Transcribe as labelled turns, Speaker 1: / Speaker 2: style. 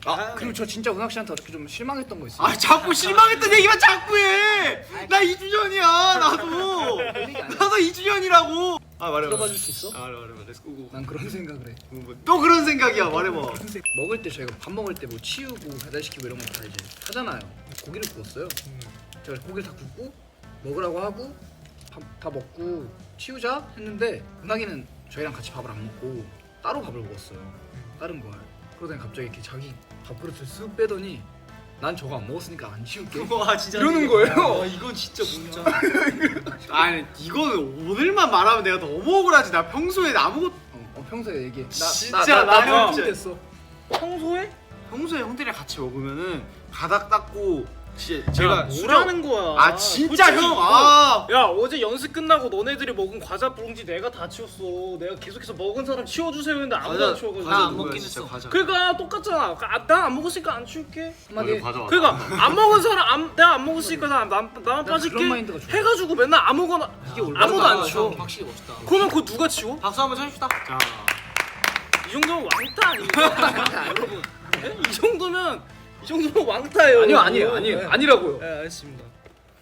Speaker 1: 그리고 저 진짜 은학 씨한테 어떻게 좀 실망했던 거 있어요?
Speaker 2: 아 자꾸 실망했던 얘기만 자꾸 해. 나 2주년이야 나도. 나도 2주년이라고. 아 말해봐.
Speaker 1: 들어봐 줄 수 있어?
Speaker 2: 아 말해봐. 렛츠고.
Speaker 1: 난 그런 생각을 해.
Speaker 2: 또 그런 생각이야 말해봐.
Speaker 1: 먹을 때 저희가 밥 먹을 때 뭐 치우고 배달시키고 이런 거 다 이제 하잖아요. 고기를 구웠어요. 제가 고기를 다 굽고 먹으라고 하고 다 먹고 치우자 했는데 은하기는 저희랑 같이 밥을 안 먹고 따로 밥을 먹었어요. 다른 걸. 그러더니 갑자기 이렇게 자기 밥그릇을 쓱 빼더니 난 저거 안 먹었으니까 안 치울게.
Speaker 2: 와 진짜
Speaker 1: 이러는 거예요.
Speaker 2: 와 이건 진짜 뭐야. 아니 이거는 오늘만 말하면 내가 너무 억울하지. 나 평소에 아무것도
Speaker 1: 평소에 얘기해.
Speaker 2: 진짜
Speaker 1: 나
Speaker 2: 형
Speaker 1: 좀 됐어.
Speaker 2: 평소에 형들이랑 같이 먹으면은 바닥 닦고 진짜 제가
Speaker 3: 뭐라는 거야?
Speaker 2: 아 진짜
Speaker 3: 솔직히
Speaker 2: 형
Speaker 3: 이거-
Speaker 2: 아
Speaker 3: 야 어제 연습 끝나고 너네들이 먹은 과자 봉지 내가 다 치웠어. 내가 계속해서 먹은 사람 치워주세요 했는데 아무도 안 치워가지고.
Speaker 2: 과자
Speaker 4: 안
Speaker 2: 누구야,
Speaker 4: 먹긴
Speaker 2: 진짜
Speaker 4: 했어.
Speaker 2: 과자.
Speaker 3: 그러니까 똑같잖아. 나 안 먹었으니까 안 치울게.
Speaker 1: 한마디.
Speaker 3: 그러니까 안 먹은 사람 내가 안 먹었으니까 나만 빠질게
Speaker 1: 그런 마인드가 좋아.
Speaker 3: 해가지고 맨날 아무거나 아무도 안 치워.
Speaker 4: 확실히 멋있다.
Speaker 3: 그러면 그거 누가 치워?
Speaker 4: 박수 한번 쳐줍시다.
Speaker 2: 자
Speaker 3: 이 정도면 왕따 아닙니까? 여러분 이 정도면 왕따예요.
Speaker 1: 아니요.
Speaker 3: 네.
Speaker 1: 아니라고요.
Speaker 3: 네, 알겠습니다.